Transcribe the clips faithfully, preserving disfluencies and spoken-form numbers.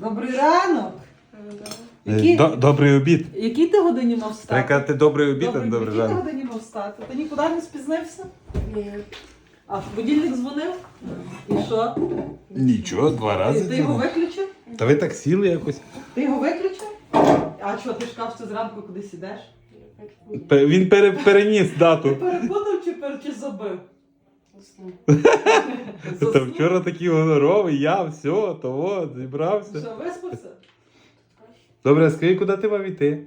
Добрий ранок. Який... Добрий обід. Який ти годині мав встати? Треба казати добрий обід, а не добрий Який ти ранок. годині мав встати? Ти нікуди не спізнився? Ні. А будильник дзвонив? І що? Нічого, два Ти, рази. ти його дзвонив. виключив? Та ви так сіли якось. Ти його виключив? А що, ти ж кажеш, що зранку кудись ідеш? Пе- Він пере- переніс Ти дату. перепутав чи, пер... чи забив? Та Заснув? вчора такий гоноровий, я, все, того, зібрався. Що, виспався? Добре, скажи, куди ти мав йти?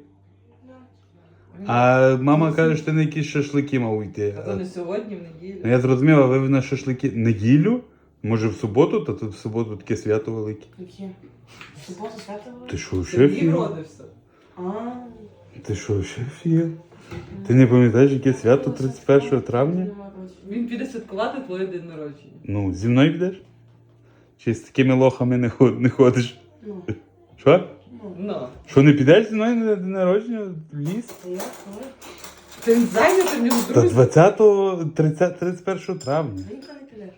А мама каже, що ти на якісь шашлики мав йти. А то не сьогодні, в неділю. Ну, я зрозумів, а ви на шашлики неділю? Може в суботу? Та тут в суботу таке свято велике. Які? Субота свято? Ти що, в Сергій шефі? вродився. А. Ти що, в шефі? Ти не пам'ятаєш, яке свято тридцять першого травня? Він піде святкувати твоє день народження. Ну, зі мною підеш? Чи з такими лохами не, ход, не ходиш? Ну. Що? Ну. Ну. Що, не підеш зі мною на день народження в ліс? Та я коли? Ти зайнятий, в нього Та друзі. двадцятого, тридцятого, тридцять першого травня. Ти ніколи не підеш.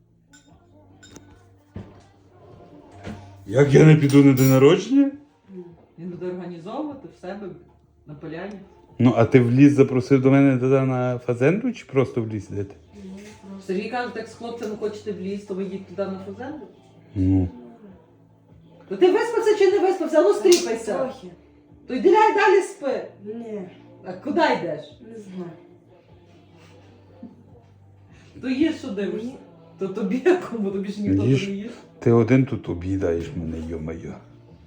Як я не піду на день народження? Він буде організовувати в себе на поляні. Ну, а ти в ліс запросив до мене туди на фазенду чи просто в ліс йдете? Ну, просто. Сергій каже, так з хлопцями хочете в ліс, то ви їдь туди на фазенду. Ну. То ти виспався чи не виспався? Ну стріпайся. Трохи. То йди ляй далі спи. Ні, А куди йдеш? не знаю. То їж, що дивишся. Ні. То тобі якому, тобі ж ніхто Їж. не їсть. Ти один тут об'їдаєш мене, йо-моє.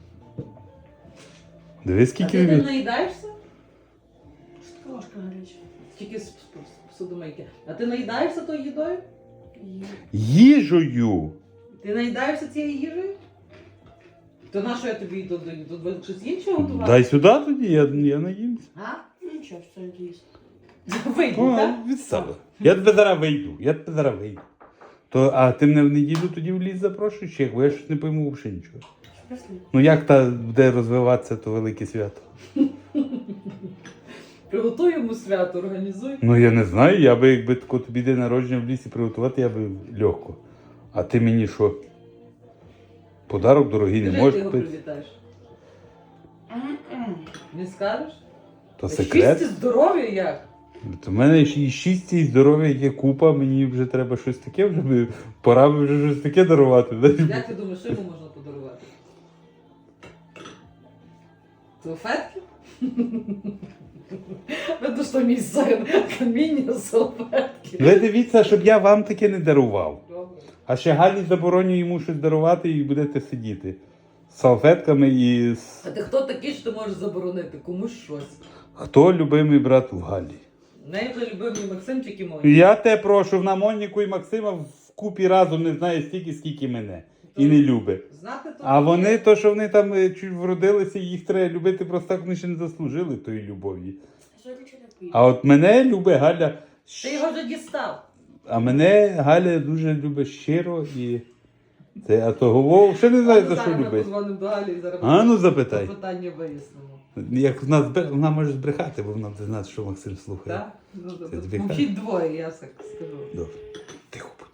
Дивись, А скільки ти не він. наїдаєшся? Трошки гаряче. Тільки з з- з судомийки. А ти наїдаєшся тою їдою? Є. Їжею! Ти наїдаєшся цією їжею? То на що я тобі до, до, до, до щось іншого готувати? Дай сюди тоді, я, я наїмся. А? Нічого, що я їсть. Вийди, О, так? відстала. Я тебе зараз вийду, я тебе зараз вийду. То, а ти мене в неділю тоді в ліс запрошуєш, чи як? Бо я щось не пойму взагалі нічого. Чесно. Ну як та буде розвиватися то велике свято? Приготуй йому свято, організуй. Ну я не знаю, я би якби тако тобі день народження в лісі приготувати, я би легко. А ти мені що? Подарок дорогий не Скажи, ти можеш його купити? привітаєш. М-м. Не скажеш? То Щастя, секрет. здоров'я як? У мене і щастя, і здоров'я є купа, мені вже треба щось таке, вже би- пора би вже щось таке дарувати. Як ти думаєш, що йому можна подарувати? Салфетки? Видно, що мій син каміння салфетки. Ви дивіться, щоб я вам таке не дарував. Добре. А ще Галі забороню йому щось дарувати і будете сидіти. З салфетками і з... А ти хто такий, що ти можеш заборонити комусь щось? Хто любимий брат в Галі? В неї вже любив мій Максимчик і мой. Я те прошу, на Моніку і Максима вкупі разом не знає стільки, скільки мене. І не любить. Знати то А є. вони, то, що вони там е, чуть вродилися, їх треба любити, просто так вони ще не заслужили тої любові. Що ти чи не поїш? А от мене любить Галя. Ти його вже дістав. А мене Галя дуже любить щиро і. Це, а того Вов ще не знаю, за що Зараз ми любить. позвонимо до Галі і зараз А ну запитай. питання вияснимо. Як вона, збе- вона може збрехати, бо вона буде знати, що Максим слухає. Так? Ну, Це добре. тобі Мовчіть двоє, я так скажу. Добре. Тихо будь.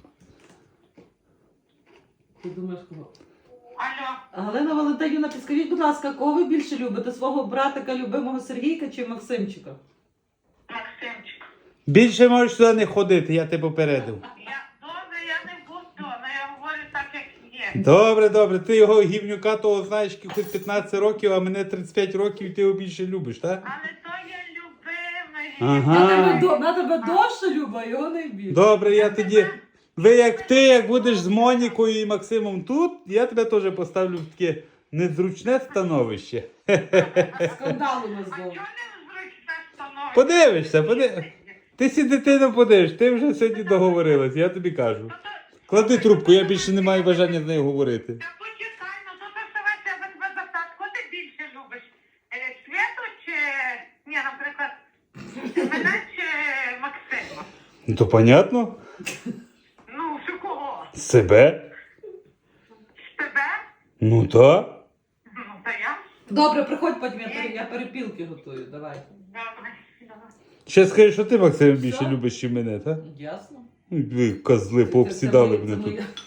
Ти думаєш кого? Алло. А Галина Валентинівна, підскажіть, будь ласка, кого ви більше любите? Свого братика, любимого Сергійка чи Максимчика? Максимчик. Більше можеш сюди не ходити, я тебе попередив. Я добре, я не буду, але я говорю так, як є. Добре, добре, ти його гівнюка того знаєш якихось п'ятнадцять років, а мене тридцять п'ять років, і ти його більше любиш, так? Але то є любимий. Ага. На тебе, до- на тебе довше люба, а його найбільше. Добре, я тоді. Ви як ти, як будеш з Монікою і Максимом тут, я тебе теж поставлю в таке незручне становище. Скандал у нас А був. чого не зручне становище? Подивишся, подивишся. Ти сі дитину подивиш, ти вже сьогодні договорилась, я тобі кажу. Клади трубку, я більше не маю бажання з нею говорити. Та почекай, ну то доставайся, я тебе запитати, кого ти більше любиш? Е, Світу чи, ні, наприклад, мене чи Максима? Ну то понятно? Ну, що кого? Себе? З тебе? Ну так. Ну, та я. Добре, приходь потім, я, пере- я перепілки готую, давай. Добре, давай. Ще скажи, що ти, Максим, більше Що? любиш, ніж мене, так? Ясно. Ви козли Це- пообсідали це мене моя- тут.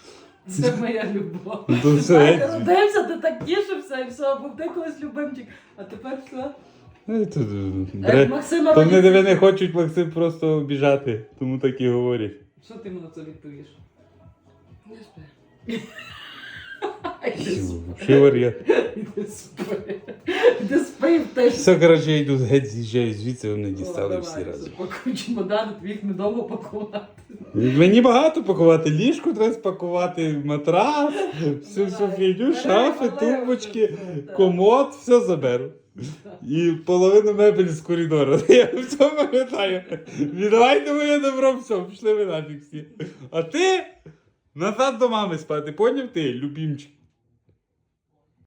Це моя любов. То все, Ти геть. родився, ти так тішився і все, був ти колись любимчик. А тепер все. Е, то, Е, бре- Максима То вони родиться- тебе не хочуть, Максим, просто обіжати, тому так і говорять. Що ти йому на це відповіш? Не спи. Іди спи. Ще варіант. Іди спи. Іди спи в те, що... Все, коротше, я йду геть з'їжджаю звідси, вони О, дістали давай, всі разом. Пакуй чемодани, тобі їх недовго пакувати. Мені багато пакувати, ліжку треба спакувати, матрас, всю всю Давай. фігню, Бери, шафи, вали тумбочки, вже, так. комод, все заберу. Так. І половину мебель з коридору. Я все пам'ятаю. Віддавайте моє добро, все, пішли ви нафіг всі. А ти назад до мами спати, поняв ти, любімчик?